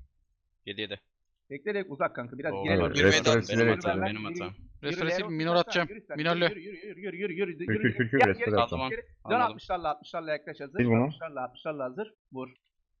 Speaker 1: 7 7.
Speaker 3: Tekle direkt uzak kanka. Biraz
Speaker 1: Oo,
Speaker 3: girelim.
Speaker 4: evet.
Speaker 3: Yürü,
Speaker 4: Restore
Speaker 3: yürü,
Speaker 4: silerek
Speaker 3: yürü,
Speaker 1: hatam,
Speaker 3: yürü,
Speaker 1: benim
Speaker 3: yürü,
Speaker 1: hatam.
Speaker 3: yürü,
Speaker 5: Restoresi
Speaker 3: yürü,
Speaker 5: minor
Speaker 3: yürü,
Speaker 5: atacağım.
Speaker 3: yürü, yürü,
Speaker 5: Minörlü.
Speaker 3: Yürü yürü yürü yürü yürü yürü.
Speaker 4: Kür kür kür kür
Speaker 3: Gel,
Speaker 4: restore
Speaker 3: geri,
Speaker 1: Aldım
Speaker 4: yapacağım.
Speaker 1: onu.
Speaker 3: geri. Dön
Speaker 1: Anladım.
Speaker 3: 60'larla 60'larla yaklaş hazır.
Speaker 4: Sil bunu.
Speaker 3: 60'larla hazır. Vur.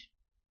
Speaker 3: 70.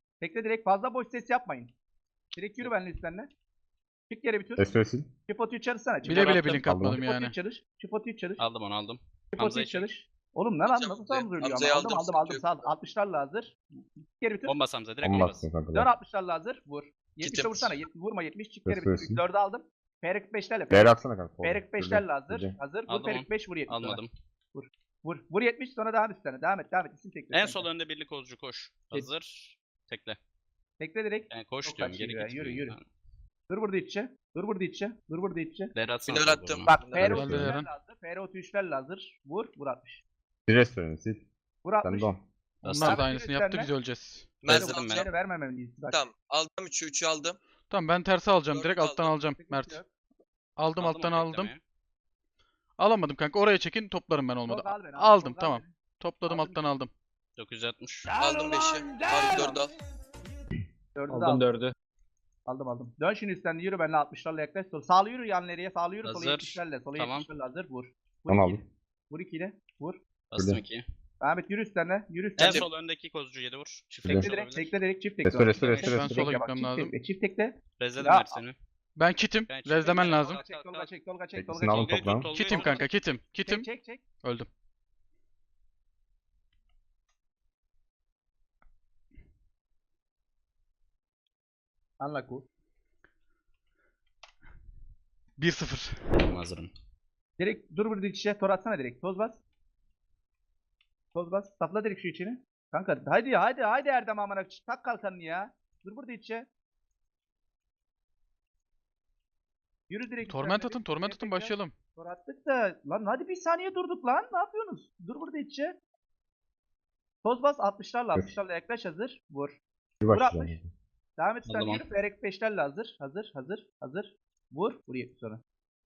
Speaker 3: Tekle direkt fazla boş ses yapmayın. Direkt yürü benimle üstlerine. Çık geri bir tur.
Speaker 4: Restore sil.
Speaker 3: Çift atıyı çalışsana.
Speaker 5: Bile bile
Speaker 1: attım.
Speaker 5: blink
Speaker 4: Aldım.
Speaker 5: atmadım
Speaker 3: Çift atıyı
Speaker 5: yani.
Speaker 3: çalış. Çift atıyı çalış.
Speaker 1: Aldım onu aldım.
Speaker 3: Çift
Speaker 1: Hamza'yı
Speaker 3: atıyı
Speaker 1: çek.
Speaker 3: çalış. Oğlum lan
Speaker 6: Alacağım
Speaker 3: nasıl
Speaker 6: Hamza'yı.
Speaker 3: saldırıyor
Speaker 6: Hamza'yı
Speaker 3: ama. Aldım
Speaker 6: aldım,
Speaker 3: aldım aldım.
Speaker 6: sıkıntı
Speaker 3: Sağ 60'larla hazır. Geri bitir.
Speaker 1: Bomba Samza direkt
Speaker 4: On
Speaker 1: bomba.
Speaker 4: bastım kanka.
Speaker 3: Dön 60'larla hazır. Vur. 70'e
Speaker 6: Kitim.
Speaker 3: vursana. Vurma 70. Çık geri
Speaker 4: Göstersin.
Speaker 3: bitir. 4'ü aldım. FR45'lerle.
Speaker 4: Değer atsana kanka.
Speaker 3: FR45'lerle hazır.
Speaker 4: Güzel.
Speaker 3: Hazır. Vur
Speaker 1: Aldım onu.
Speaker 3: FR45 vur 70 sonra.
Speaker 1: Almadım.
Speaker 3: Vur. Vur 70 sonra devam üstlerine. Devam et. İsim tekle.
Speaker 1: En
Speaker 3: kanka.
Speaker 1: sol önde birlik Ozcu koş. Hazır. Tekle.
Speaker 3: Tekle direkt.
Speaker 1: Yani koş
Speaker 3: Çok
Speaker 1: diyorum
Speaker 3: kaçıyor
Speaker 1: geri
Speaker 3: ya,
Speaker 1: gitmiyor.
Speaker 3: yürü. Dur burada içe. Dur burada içe. Dur burada içe.
Speaker 1: Değer atsana.
Speaker 6: Minör
Speaker 1: sol
Speaker 6: attım.
Speaker 1: doğru.
Speaker 3: Bak
Speaker 6: Minör
Speaker 3: FR
Speaker 6: attım.
Speaker 5: Geldi Eren.
Speaker 3: 33'lerle hazır. FR33'lerle hazır. Vur. Vur 60.
Speaker 4: Bir restoranı sil.
Speaker 3: Vur
Speaker 4: Sen
Speaker 3: 60.
Speaker 4: de 10.
Speaker 1: Bastım.
Speaker 5: Onlar da
Speaker 3: Abi,
Speaker 5: aynısını
Speaker 3: yürü
Speaker 5: yaptı
Speaker 3: sen
Speaker 5: biz
Speaker 3: de.
Speaker 5: öleceğiz.
Speaker 6: Merzen
Speaker 1: Bezledim ben.
Speaker 6: alacağım.
Speaker 3: Vermemeliyiz. Bak.
Speaker 6: Tamam. Aldım 3'ü aldım.
Speaker 5: Tamam ben tersi alacağım.
Speaker 6: Dördü
Speaker 5: Direkt
Speaker 6: de
Speaker 5: alttan
Speaker 6: aldım.
Speaker 5: alacağım
Speaker 3: Sıkıntı
Speaker 5: Mert.
Speaker 3: yok.
Speaker 5: Aldım alttan
Speaker 1: onu
Speaker 5: aldım.
Speaker 1: beklemeye.
Speaker 5: Alamadım kanka. Oraya çekin toplarım ben olmadı.
Speaker 3: Tolga al beni,
Speaker 5: Aldım
Speaker 3: Tolga al
Speaker 5: tamam.
Speaker 3: beni.
Speaker 5: Topladım
Speaker 3: Aldım.
Speaker 5: alttan aldım.
Speaker 1: 960.
Speaker 6: Aldım 5'i. Abi 4'ü al.
Speaker 3: 4'ü de
Speaker 2: Aldım
Speaker 3: aldım.
Speaker 2: 4'ü.
Speaker 3: Aldım. Dön şimdi üstten yürü benimle 60'larla yaklaş. Sağlı yürü yan ileriye. Sağlı yürü sola
Speaker 1: Hazır.
Speaker 3: 70'lerle. Sola
Speaker 1: Tamam.
Speaker 3: 70'lerle hazır. Vur. Vur
Speaker 4: 10
Speaker 3: 2'yi.
Speaker 4: aldım.
Speaker 3: Vur 2'yi. Vur.
Speaker 1: Bastım
Speaker 4: Öyle.
Speaker 1: 2.
Speaker 3: Ahmet yürü üstlerine. Yürü
Speaker 1: En
Speaker 3: üstlerine.
Speaker 1: sol öndeki Kozcu 7 vur. Çift
Speaker 4: Tekle
Speaker 3: Tekle
Speaker 1: tekle
Speaker 3: direkt.
Speaker 1: olabilir.
Speaker 3: Tekle direkt. Çift tekle.
Speaker 4: Restore,
Speaker 3: Tekle,
Speaker 4: restore,
Speaker 3: tekle,
Speaker 5: restore.
Speaker 3: tekle,
Speaker 5: Ben sola
Speaker 3: bak,
Speaker 5: gitmem
Speaker 3: çift
Speaker 5: lazım.
Speaker 3: tekle, çift tekle.
Speaker 1: Rezledim
Speaker 3: Ya,
Speaker 1: Mersin'i.
Speaker 5: Ben kitim.
Speaker 1: Ben
Speaker 5: Rezlemen
Speaker 1: çektim.
Speaker 5: lazım.
Speaker 1: Kalk, kalk,
Speaker 3: Tolga
Speaker 1: kalk.
Speaker 3: çek. Tolga çek.
Speaker 4: Teklisini
Speaker 3: Tolga
Speaker 4: aldım,
Speaker 3: çek.
Speaker 1: Tolga'yı tut,
Speaker 4: toplam.
Speaker 1: Tolga'yı
Speaker 5: Kitim
Speaker 1: tut.
Speaker 5: kanka kitim. Kitim.
Speaker 3: Çek.
Speaker 5: Öldüm.
Speaker 3: Anla ku.
Speaker 5: 1-0.
Speaker 1: Hazırım.
Speaker 3: Direkt dur burada içe. Tor atsana direkt. Toz bas. Toz bas. Sapla direkt şu içini. Kanka haydi Erdem amına. Tak kalkanını ya. Dur burada içe. Yürü direkt.
Speaker 5: Torment
Speaker 3: üstlerine
Speaker 5: atın,
Speaker 3: bir.
Speaker 5: torment
Speaker 3: Direkt
Speaker 5: atın
Speaker 3: bekle.
Speaker 5: başlayalım.
Speaker 3: Tor attık da. Lan hadi bir saniye durduk lan. Ne yapıyorsunuz? Dur burada içe. Toz bas 60'larla yaklaş hazır. Vur.
Speaker 4: Bir
Speaker 3: Vur
Speaker 4: başlayacağım.
Speaker 3: 60. Devam et sen
Speaker 1: Aldım
Speaker 3: yürü. Ferek 5'lerle hazır. Hazır. Vur. Vur 70 sonra.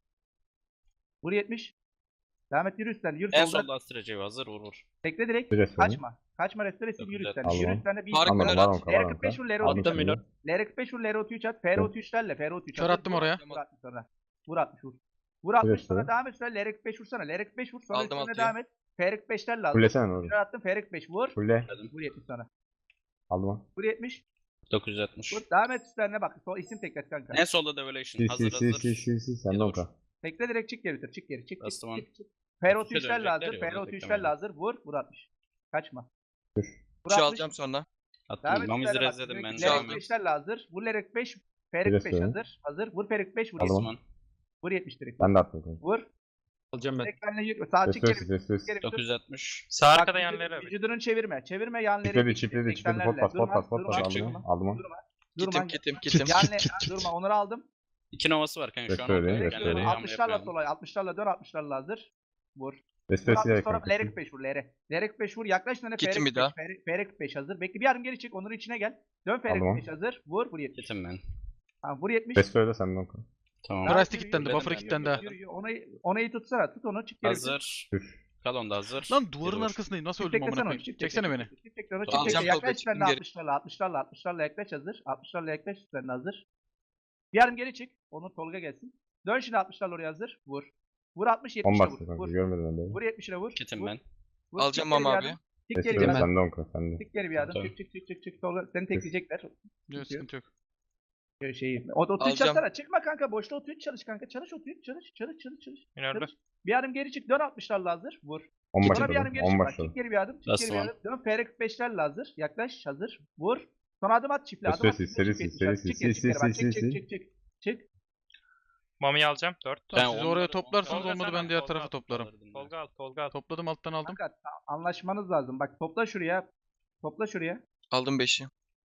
Speaker 3: Vur 70. Devam et yürü üstten. Yürü
Speaker 1: En
Speaker 3: solda.
Speaker 1: solda Astracı hazır vur.
Speaker 3: Tekle direkt.
Speaker 4: Bir restore.
Speaker 3: Kaçma restore sil
Speaker 1: Çok
Speaker 3: yürü
Speaker 1: güzel.
Speaker 3: üstten.
Speaker 4: Aldım.
Speaker 3: Yürü üstten bir
Speaker 6: Fark
Speaker 4: Almadım,
Speaker 6: minör
Speaker 4: var
Speaker 6: at.
Speaker 4: onka, var onka.
Speaker 3: LR45 vur, LR33
Speaker 2: Attım minör.
Speaker 3: LR45 vur, LR33 at. FR33'lerle, FR33
Speaker 5: Kör attım oraya.
Speaker 3: Vur 60 sonra. Vur 60 vur. Vur 60 sonra
Speaker 4: restore.
Speaker 3: devam et sonra LR45 vursana. LR45 vur sonra
Speaker 6: Aldım
Speaker 3: üstüne
Speaker 6: altıyı.
Speaker 3: devam et. FR45'lerle lazım.
Speaker 4: Fullesene orada.
Speaker 3: Minör attım FR45 vur.
Speaker 4: Fulle.
Speaker 3: Vur 70 sonra.
Speaker 4: Aldım onu.
Speaker 3: Vur 70.
Speaker 1: 960.
Speaker 3: Vur devam et üstlerine bak. Sol isim teklet kanka.
Speaker 1: En solda Devolution
Speaker 4: Sil
Speaker 1: hazır
Speaker 4: sil sil sil
Speaker 1: hazır.
Speaker 4: sil sil. Sen de onka.
Speaker 3: Tekle direkt çık geri bitir. Çık geri. Çık.
Speaker 1: Bastım onu.
Speaker 3: FR33'lerle hazır.
Speaker 1: dönecekler ya, onu
Speaker 3: FR33'lerle
Speaker 1: beklemedim.
Speaker 3: hazır. Vur. Vur 60. Kaçma.
Speaker 4: Dur.
Speaker 3: Vur
Speaker 6: 3'ü
Speaker 3: 60.
Speaker 6: alacağım sonra.
Speaker 3: Devam
Speaker 1: Attım.
Speaker 3: et
Speaker 1: Mamizi
Speaker 3: üstlerine bak.
Speaker 1: rezledim ben.
Speaker 3: Lerek
Speaker 6: Devam
Speaker 1: Devam et.
Speaker 3: 5'lerle hazır. Vur Lerek 5. Ferik
Speaker 4: Biraz
Speaker 3: 5
Speaker 4: sonra.
Speaker 3: hazır. Vur Ferik 5 vur.
Speaker 4: Aldım.
Speaker 3: 70.
Speaker 1: Osman.
Speaker 3: Vur 70 direkt.
Speaker 4: Ben de attım kanka.
Speaker 3: Vur.
Speaker 2: Alacağım ben.
Speaker 3: Ekranla yürü. Sağ çık
Speaker 4: Restore
Speaker 3: geri.
Speaker 4: sil restore
Speaker 3: Çık geri.
Speaker 4: sil.
Speaker 1: 960.
Speaker 7: Sağ
Speaker 3: Bak,
Speaker 7: arkada yanları abi.
Speaker 3: vücudunu çevirme. Çevirme yanları.
Speaker 4: Çipledi. Pot pas. Aldım onu. Aldım onu.
Speaker 3: Durma.
Speaker 6: Kitim.
Speaker 3: Durma. Onları aldım.
Speaker 1: 2 novası var kanka şu an.
Speaker 4: Restore,
Speaker 1: orada.
Speaker 4: restore.
Speaker 1: Genleri yağma
Speaker 3: 60'larla
Speaker 1: yapmayalım.
Speaker 3: sola. 60'larla dön. 60'larla hazır. Vur.
Speaker 4: Restore sil
Speaker 3: Sonra
Speaker 4: kanka.
Speaker 3: Lerek 5 vur. Lerek 5 vur. Yaklaş sana
Speaker 6: Gittim
Speaker 3: Ferik
Speaker 6: bir daha.
Speaker 3: 5. Ferik 5 hazır. Bekle bir yarım geri çık. Onların içine gel. Dön Ferik
Speaker 4: Aldım.
Speaker 3: 5 hazır. Vur. Vur 70.
Speaker 1: Gittim ben.
Speaker 3: Tamam vur 70.
Speaker 4: Restore de sen de onka.
Speaker 1: Tamam.
Speaker 5: Price
Speaker 3: Yürü,
Speaker 5: kilitlendi,
Speaker 3: yürü,
Speaker 5: buffer
Speaker 3: yürü,
Speaker 5: kilitlendi
Speaker 3: yürü,
Speaker 5: ha.
Speaker 3: yürü, yürü. Onu iyi tutsana. Tut onu. Çık geri.
Speaker 1: Hazır.
Speaker 4: Dur.
Speaker 1: Kalon da hazır.
Speaker 5: Lan duvarın
Speaker 1: Yedi vur.
Speaker 5: arkasındayım. Nasıl
Speaker 3: Çift
Speaker 5: öldüm amına
Speaker 3: teklesene onu.
Speaker 5: koyayım?
Speaker 3: Çift
Speaker 5: Çeksene
Speaker 3: tekle,
Speaker 5: beni.
Speaker 3: çift tekle onu.
Speaker 1: Tamam.
Speaker 3: Çift tekle.
Speaker 6: Alacağım
Speaker 3: Yaklaş
Speaker 6: Tolga,
Speaker 3: üstlerine
Speaker 6: çıktım
Speaker 3: 60'larla. 60'larla yaklaş hazır. 60'larla yaklaş üstlerine hazır. Bir yarım geri çık. Onu Tolga gelsin. Dön şimdi 60'larla oraya hazır. Vur. Vur 60
Speaker 4: 10
Speaker 3: 70'e
Speaker 4: bastı
Speaker 3: vur.
Speaker 4: kanka.
Speaker 3: Vur.
Speaker 4: Görmedim ben de.
Speaker 3: Vur 70'e vur.
Speaker 1: Kitim
Speaker 3: Vur.
Speaker 1: ben.
Speaker 3: Vur.
Speaker 6: Alacağım
Speaker 3: Çık geri
Speaker 6: ama
Speaker 3: bir
Speaker 6: abi.
Speaker 3: adım. Çık geri bir
Speaker 4: Restore
Speaker 3: adım.
Speaker 4: sen de onka. Sen de.
Speaker 3: Çık geri bir adım.
Speaker 1: Tamam.
Speaker 3: Çık. Tolga seni tekleyecekler.
Speaker 5: Yok sıkıntı yok.
Speaker 3: Şeyi. O 33
Speaker 6: Alacağım.
Speaker 3: çalsana. Çıkma kanka. Boşta 33 çalış kanka. Çalış 33. Çalış.
Speaker 7: Minörde.
Speaker 3: Çalış. Bir adım geri çık. Dön 60'larla hazır. Vur.
Speaker 4: 10
Speaker 3: Sonra
Speaker 4: başladı.
Speaker 3: bir yarım geri
Speaker 4: 10
Speaker 3: çık bak.
Speaker 4: başladı.
Speaker 3: Çık geri bir adım. Çık
Speaker 1: Nasıl
Speaker 3: geri bir
Speaker 1: lan?
Speaker 3: adım. Dön FR45'lerle hazır. Yaklaş hazır. Vur. Sonra adım at çiftle. Adım at.
Speaker 4: Seri,
Speaker 3: çiftle,
Speaker 4: seri,
Speaker 3: çık
Speaker 4: seri,
Speaker 3: geri, çık
Speaker 4: seri,
Speaker 3: geri, çık geri, bak,
Speaker 4: seri,
Speaker 3: çık,
Speaker 4: seri,
Speaker 3: çık, çık, çık. Çık.
Speaker 7: Mami'yi alacağım. 4.
Speaker 5: Tamam,
Speaker 1: Ben
Speaker 5: siz oraya
Speaker 1: onları-
Speaker 5: toplarsınız
Speaker 7: Tolga
Speaker 5: olmadı
Speaker 7: sen
Speaker 5: ben
Speaker 7: al,
Speaker 5: diğer
Speaker 7: Tolga
Speaker 5: tarafı
Speaker 7: al.
Speaker 5: toplarım.
Speaker 7: Tolga al. Tolga al.
Speaker 5: Topladım alttan aldım.
Speaker 3: Kanka anlaşmanız lazım. Bak topla şuraya. Topla şuraya.
Speaker 6: Aldım 5'i.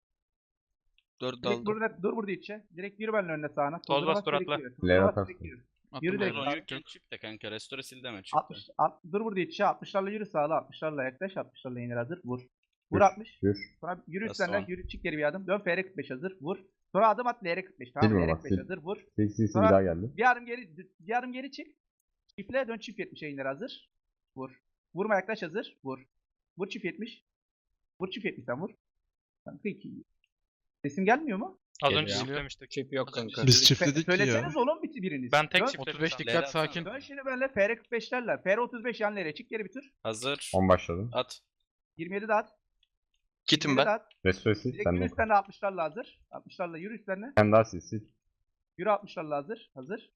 Speaker 6: 4'ü de
Speaker 3: Direkt
Speaker 6: aldım.
Speaker 3: burada dur burada içe. Direkt yürü benimle önüne sağına.
Speaker 7: Toz bas,
Speaker 3: bas,
Speaker 7: dur
Speaker 3: direkt
Speaker 7: atla.
Speaker 3: yürü.
Speaker 4: Leğen
Speaker 3: Bas,
Speaker 4: atarsın.
Speaker 3: direkt yürü.
Speaker 5: Attım
Speaker 3: Yürü de-
Speaker 5: alttan.
Speaker 1: Sorun yokken çift de kanka. Restore sil deme çift de.
Speaker 3: 60 dur burada içe. 60'larla yürü sağla. 60'larla yaklaş. 60'larla inir hazır. Vur. Vur
Speaker 4: Yürü.
Speaker 3: 60.
Speaker 4: Yürü.
Speaker 3: Sonra yürü
Speaker 1: Nasıl
Speaker 3: üstlerinden
Speaker 1: o?
Speaker 3: yürü çık geri bir adım. Dön FR45 hazır. Vur. Sonra adım at LR45. Tamam
Speaker 4: Silme bak,
Speaker 3: LR45
Speaker 4: sil.
Speaker 3: hazır. Vur.
Speaker 4: Sil bir
Speaker 3: Sonra-
Speaker 4: daha geldi.
Speaker 3: Bir yarım geri çık. Çiftle dön çift 70'e indir hazır. Vur. Vurma yaklaş hazır. Vur. Vur çift 70. Vur çift 70'ten vur. Kanka 2. Sesim gelmiyor mu?
Speaker 7: Az
Speaker 1: Geliyor.
Speaker 7: önce çiftlemiştik.
Speaker 2: Çip yok kanka.
Speaker 8: Biz çiftledik ki
Speaker 3: Söyleseniz
Speaker 8: ya.
Speaker 3: oğlum biriniz.
Speaker 7: Ben tek
Speaker 3: Dön-
Speaker 7: çiftledim.
Speaker 5: 35
Speaker 7: şu an.
Speaker 5: dikkat
Speaker 1: Leğen
Speaker 5: sakin.
Speaker 3: Dön şimdi benimle FR45'lerle. FR35 yan nereye? Çık geri bitir.
Speaker 1: Hazır.
Speaker 4: 10 başladı.
Speaker 1: At.
Speaker 3: 27 de at.
Speaker 6: Kitim
Speaker 3: 27 de
Speaker 6: ben.
Speaker 3: at.
Speaker 4: Restore sil.
Speaker 3: Direkt
Speaker 4: Sen
Speaker 3: yürü
Speaker 4: de onka.
Speaker 3: üstlerine 60'larla hazır. 60'larla yürü üstlerine.
Speaker 4: Sen daha sil.
Speaker 3: Yürü 60'larla hazır. Hazır.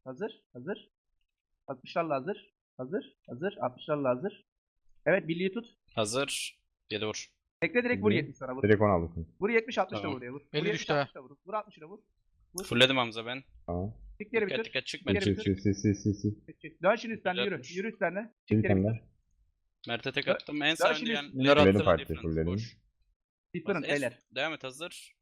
Speaker 3: 60'larla hazır. 60'larla hazır. Evet birliği tut.
Speaker 1: Hazır. 7 vur.
Speaker 3: Tekle direkt vur
Speaker 4: Hı.
Speaker 3: 70 sana vur.
Speaker 4: Direkt 10 aldım kanka.
Speaker 3: Vur 70 60 da
Speaker 1: Tamam.
Speaker 3: vur oraya vur. Vur
Speaker 5: 50
Speaker 3: 70,
Speaker 5: düştü ha.
Speaker 3: 60 da vur. Vur 60 da vur. Vur.
Speaker 1: Fullledim Hamza ben.
Speaker 4: Tamam.
Speaker 3: Çık geri
Speaker 1: Dikkat
Speaker 3: bitir.
Speaker 1: dikkat çıkma.
Speaker 3: Geri
Speaker 4: Sil
Speaker 3: bitir.
Speaker 4: sil.
Speaker 3: Çık, çık. Dön şimdi üstlerine yürü.
Speaker 1: 160.
Speaker 3: Yürü üstlerine. Çık
Speaker 4: Sil
Speaker 3: geri
Speaker 4: sen
Speaker 3: bitir.
Speaker 4: de.
Speaker 1: Mert'e tek attım. En sağ
Speaker 3: şimdi
Speaker 1: önce yani.
Speaker 2: Minör attım.
Speaker 4: Fulledim parti, fulledim.
Speaker 3: Different beyler.
Speaker 1: Devam et hazır.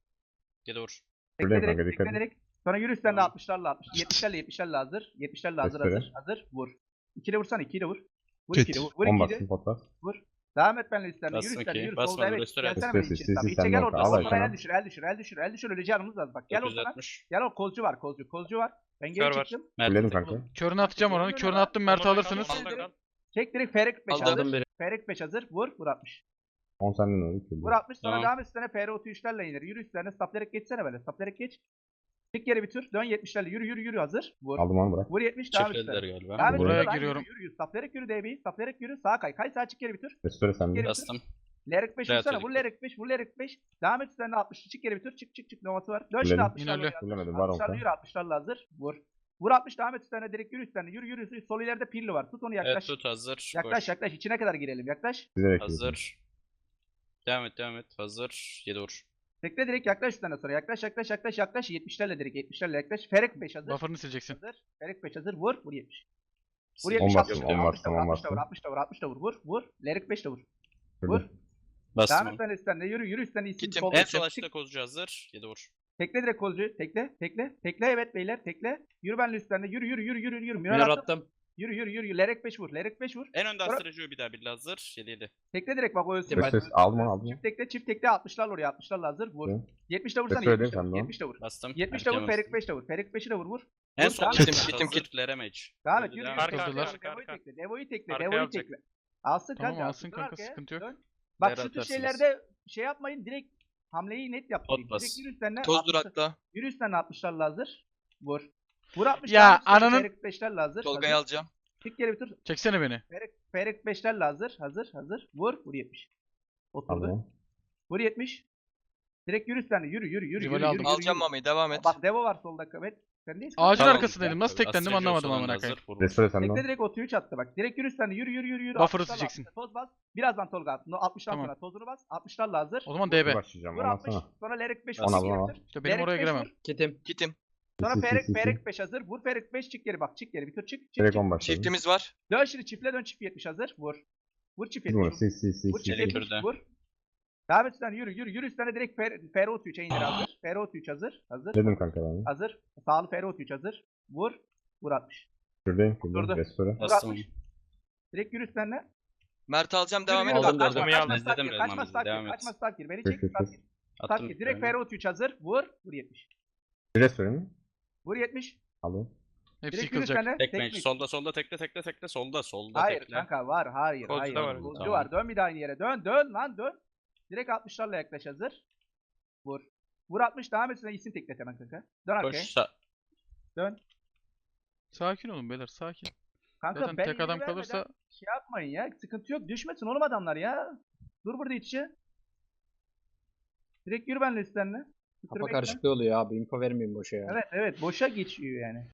Speaker 1: 7 vur.
Speaker 3: Tekle
Speaker 4: Buradayım
Speaker 3: direkt.
Speaker 4: kanka, dikkat
Speaker 3: Tekle
Speaker 4: et.
Speaker 3: direkt. Sonra yürü üstlerine
Speaker 1: Tamam.
Speaker 3: 60'larla 60. 70'lerle 70'lerle hazır. 70'lerle hazır
Speaker 4: Restore.
Speaker 3: hazır. Hazır. Vur. 2'de vursan 2'yi de vur. Vur
Speaker 8: Kit.
Speaker 3: 2'yi de vur. Vur
Speaker 4: 10
Speaker 3: 2'yi de.
Speaker 4: bastım pot bas.
Speaker 3: Devam et benimle üstlerine. Yürü
Speaker 1: Bastım
Speaker 3: üstlerine.
Speaker 1: ki,
Speaker 3: Yürü
Speaker 1: basmadım,
Speaker 3: solda evet.
Speaker 1: restore
Speaker 3: Gelsene
Speaker 4: ettim.
Speaker 3: benim için.
Speaker 4: Sil,
Speaker 3: Tamam.
Speaker 4: sil,
Speaker 3: İçe
Speaker 4: sen
Speaker 3: gel
Speaker 4: de
Speaker 3: orada.
Speaker 4: al
Speaker 3: Sonra
Speaker 4: aşağıya.
Speaker 3: el düşür. El düşür. El düşür. El düşür. Öleceğiniz az bak. Gel orada.
Speaker 1: 960.
Speaker 3: Gel o kolcu var. Kolcu var. Ben geri
Speaker 7: Kör var.
Speaker 3: çıktım.
Speaker 1: Mert'e
Speaker 4: Fulledim
Speaker 1: tek
Speaker 4: kanka.
Speaker 1: vur.
Speaker 5: Körünü atacağım oranı. Körünü attım Mert'i
Speaker 7: Solda kal,
Speaker 5: alırsınız.
Speaker 7: solda kal.
Speaker 3: Çek direkt Ferik 5
Speaker 6: Aldım.
Speaker 3: hazır.
Speaker 2: Aldım biri.
Speaker 3: Ferik 5 hazır. Vur. Vur 60.
Speaker 4: 10 senden oldu.
Speaker 3: Vur 60 sonra
Speaker 1: Tamam.
Speaker 3: devam et üstlerine FR 33'lerle iner. Yürü üstlerine saplayarak geçsene böyle. Saplayarak geç. Çık geri bir tur. Dön 70'lerle. Yürü yürü yürü hazır. Vur.
Speaker 4: Aldım onu bırak.
Speaker 3: Vur 70 devam et
Speaker 1: Çiftlediler
Speaker 3: üstlerine.
Speaker 1: galiba.
Speaker 3: Devam et
Speaker 5: Buraya
Speaker 3: üstlerine.
Speaker 5: giriyorum.
Speaker 3: Yürü yürü. Saplayarak yürü DB'yi. Saplayarak yürü. Sağa kay. Kay sağa çık geri bir tur.
Speaker 4: Restore sende.
Speaker 3: Geri-
Speaker 1: Bastım.
Speaker 3: Lerek 5
Speaker 1: Real
Speaker 3: vursana.
Speaker 1: Atletik.
Speaker 3: Vur Lerek 5. Vur Lerek 5. Devam et üstlerine 60. Çık geri bir tur. Çık çık çık. Novası var. Dön şimdi
Speaker 4: Fulledim.
Speaker 3: 60'larla.
Speaker 5: Minörlü.
Speaker 4: Fullemedim. Var 10
Speaker 3: 60'larla
Speaker 4: kan.
Speaker 3: yürü 60'larla hazır. Vur. Vur 60 devam et üstlerine direkt yürü üstlerine. Yürü yürü. Sol ileride pilli var. Tut onu
Speaker 1: Evet
Speaker 3: yaklaş.
Speaker 1: tut hazır.
Speaker 3: Yaklaş
Speaker 1: Koş.
Speaker 3: yaklaş. İçine kadar girelim. Yaklaş.
Speaker 4: Direkt
Speaker 1: Hazır. Devam et devam et. Hazır. 7 vur.
Speaker 3: Tekle direkt yaklaş üstlerine sonra. Yaklaş yaklaş yaklaş yaklaş. 70'lerle direkt 70'lerle yaklaş. Ferik 5 hazır.
Speaker 5: Buffer'ını sileceksin.
Speaker 3: Hazır. Ferik 5 hazır. Vur. Vur 70. Vur
Speaker 1: Sil.
Speaker 3: 70
Speaker 4: On
Speaker 3: 60
Speaker 4: bastım,
Speaker 3: da vur.
Speaker 4: on
Speaker 3: 60 da vur.
Speaker 4: bastım, on
Speaker 3: 60 da vur.
Speaker 4: bastım.
Speaker 3: 60 da vur. 60 da vur. Vur. Vur. Lerik 5 de vur. Vur.
Speaker 4: Fulledim.
Speaker 3: Devam
Speaker 1: Bastım.
Speaker 3: et sen üstlerine. Yürü yürü üstlerine isim
Speaker 6: Gittim.
Speaker 3: sol.
Speaker 1: En
Speaker 3: Çık.
Speaker 1: sol açıkta kozcu hazır. 7 vur.
Speaker 3: Tekle direkt kolcu. Tekle. Tekle. Tekle evet beyler. Tekle. Yürü benle üstlerine. Yürü yürü yürü yürü yürü.
Speaker 2: Minör
Speaker 3: Minör attım.
Speaker 2: attım.
Speaker 3: Yürü yürü yürü. Lerek 5 vur. Lerek 5 vur.
Speaker 1: En önde
Speaker 3: Sonra-
Speaker 1: Astracı'yı bir daha bir hazır. 7
Speaker 3: Tekle direkt bak o ölsün.
Speaker 2: Ben-
Speaker 4: Restore aldım onu aldım.
Speaker 3: Çift tekle 60'larla oraya 60'larla hazır. Vur.
Speaker 4: Hı.
Speaker 3: 70 de vursana.
Speaker 4: Restore
Speaker 3: 70 de
Speaker 4: edeyim
Speaker 3: vur.
Speaker 4: sen de
Speaker 3: 70 de vur.
Speaker 1: Bastım.
Speaker 3: 70 de vur.
Speaker 1: Erken
Speaker 3: Ferik
Speaker 1: bastım.
Speaker 3: 5 de vur. Ferik 5'i de vur. Vur.
Speaker 1: En
Speaker 3: Vur,
Speaker 1: sol
Speaker 3: devam
Speaker 1: açıkta
Speaker 6: et. Gittim,
Speaker 1: hazır.
Speaker 6: gittim.
Speaker 1: Leremage.
Speaker 3: Devam et.
Speaker 1: Öldü,
Speaker 3: Yürü.
Speaker 1: devam
Speaker 3: yürü.
Speaker 1: et.
Speaker 7: Arka,
Speaker 5: Kırdılar.
Speaker 7: arka,
Speaker 3: Devo'yu
Speaker 7: arka.
Speaker 3: tekle. Devo'yu tekle.
Speaker 7: Arkaya
Speaker 3: Devo'yu
Speaker 7: alacak.
Speaker 3: tekle. Alsın
Speaker 5: Tamam
Speaker 3: kanka.
Speaker 5: alsın
Speaker 3: Dön
Speaker 5: kanka
Speaker 3: arkaya,
Speaker 5: sıkıntı yok.
Speaker 3: dön. Bak
Speaker 1: Değer
Speaker 3: şu tür
Speaker 1: atarsınız.
Speaker 3: şeylerde şey yapmayın. Direkt hamleyi net yapmayın.
Speaker 1: Pot bas.
Speaker 3: Direkt yürü üstlerine.
Speaker 6: Toz
Speaker 3: 60'lar
Speaker 6: durakta.
Speaker 3: Yürü üstlerine 60'larla hazır. Vur. Vur 60
Speaker 5: Ya,
Speaker 3: devam et, üstlerine
Speaker 5: ananın-
Speaker 3: Ferik 5'lerle hazır.
Speaker 6: Tolga'yı
Speaker 3: hazır.
Speaker 6: alacağım.
Speaker 3: Çık geri bir tur.
Speaker 5: Çeksene beni.
Speaker 3: Ferik 5'lerle hazır. Hazır. Hazır. Vur. Vur 70.
Speaker 4: Aldım
Speaker 3: Oturdu.
Speaker 4: onu.
Speaker 3: Vur 70. Direkt yürü üstlerine. Yürü yürü yürü.
Speaker 5: Rivali
Speaker 3: yürü,
Speaker 5: aldım.
Speaker 3: yürü,
Speaker 6: Alacağım
Speaker 3: yürü.
Speaker 6: Mami'yi devam et.
Speaker 3: Bak Devo var solda. Evet. Sen değil.
Speaker 5: Ağacın
Speaker 1: Tamam.
Speaker 5: arkasındaydım. Nasıl teklendim
Speaker 1: Astracı
Speaker 5: anlamadım
Speaker 1: olsa
Speaker 5: amına
Speaker 1: hazır,
Speaker 5: koyayım.
Speaker 1: vur, vur.
Speaker 4: Restore sende.
Speaker 3: Tekle direkt o 3 attı bak. Direkt yürü üstlerine. Yürü yürü yürü yürü.
Speaker 5: Buffer'ı
Speaker 3: 60'larla
Speaker 5: sileceksin.
Speaker 3: Toz bas. Birazdan Tolga at. No, 60'tan
Speaker 5: Tamam.
Speaker 3: sonra tozunu bas. 60'larla hazır.
Speaker 5: O zaman
Speaker 3: Vur,
Speaker 5: DB.
Speaker 4: Başlayacağım.
Speaker 3: Vur
Speaker 4: Onu
Speaker 3: 60.
Speaker 4: atsana.
Speaker 3: Sonra Lerek 5
Speaker 1: Onu
Speaker 3: vur.
Speaker 4: al,
Speaker 3: Geri
Speaker 4: onu al.
Speaker 3: bitir.
Speaker 5: İşte benim
Speaker 3: Lerek
Speaker 5: oraya
Speaker 3: 5
Speaker 5: giremem.
Speaker 3: vur.
Speaker 2: Kitim.
Speaker 6: Kitim.
Speaker 3: Sonra
Speaker 4: Sil, sil, sil, sil.
Speaker 3: Ferik 5 hazır. Vur Ferik 5 çık geri bak. Çık geri bir tur çık. Çık
Speaker 4: Direkt
Speaker 3: çık.
Speaker 4: 10 başladım.
Speaker 6: Çiftimiz var.
Speaker 3: Dön şimdi çiftle dön çift 70 hazır. Vur. Vur çift 70.
Speaker 4: Bunu sil sil sil
Speaker 3: Vur
Speaker 4: sil.
Speaker 3: çift
Speaker 1: Çelik
Speaker 3: 70.
Speaker 1: türde.
Speaker 3: Vur. Devam et üstlerine yürü yürü yürü üstlerine direkt Fero 3'e indir hazır. Fero 3 hazır. Hazır.
Speaker 4: Dedim kanka ben.
Speaker 3: Hazır. Sağlı Fero 3 hazır. Vur. Vur 60.
Speaker 4: Şuradayım.
Speaker 3: Durdu.
Speaker 4: Şuradayım. Restore.
Speaker 3: Vur
Speaker 1: Bastım.
Speaker 3: 60. Direkt yürü üstlerine.
Speaker 6: Mert alacağım
Speaker 3: Yürü,
Speaker 6: devam
Speaker 3: yürü,
Speaker 6: et.
Speaker 2: Aldım,
Speaker 3: bak,
Speaker 2: aldım.
Speaker 3: kaçma,
Speaker 7: Aldım.
Speaker 3: kaçma,
Speaker 1: İzledim
Speaker 3: kaçma,
Speaker 1: Redman'ı,
Speaker 3: start
Speaker 1: devam
Speaker 3: gir,
Speaker 1: et.
Speaker 3: kaçma, start gir. Beni
Speaker 4: Kır,
Speaker 3: çek,
Speaker 4: kır,
Speaker 3: start
Speaker 4: kır.
Speaker 3: gir. Start
Speaker 1: Attım.
Speaker 3: gir. Direkt
Speaker 1: bir tane.
Speaker 3: Fero 3 hazır. Vur. Vur 70.
Speaker 4: Restore mi?
Speaker 3: Vur 70.
Speaker 4: Aldım.
Speaker 5: Hepsi
Speaker 3: Direkt yürü
Speaker 5: yıkılacak.
Speaker 3: üstlerine.
Speaker 1: Tekme.
Speaker 3: Teknik.
Speaker 1: Solda solda tekle tekle tekle. Solda solda
Speaker 3: Hayır
Speaker 1: tekle.
Speaker 3: kanka var. Hayır.
Speaker 7: Kolcu
Speaker 3: Hayır.
Speaker 7: da var.
Speaker 3: Kolcu
Speaker 1: Tamam.
Speaker 3: var. Dön bir daha aynı yere. Dön. Dön lan dön. Direkt 60'larla yaklaş hazır. Vur. Vur 60 devam etsin. İsim teklet hemen kanka. Dön arkaya.
Speaker 1: Koş.
Speaker 3: Dön.
Speaker 5: Sakin olun beyler sakin.
Speaker 3: Kanka
Speaker 5: Zaten
Speaker 3: ben
Speaker 5: tek
Speaker 3: yeri
Speaker 5: adam
Speaker 3: vermeden
Speaker 5: kalırsa
Speaker 3: şey yapmayın ya. Sıkıntı yok. Düşmesin oğlum adamlar ya. Dur burada iç içe. Direkt yürü benle üstlerine.
Speaker 2: Kafa karışıklığı oluyor abi. Info vermeyin boşa ya.
Speaker 3: Evet evet. Boşa geçiyor yani.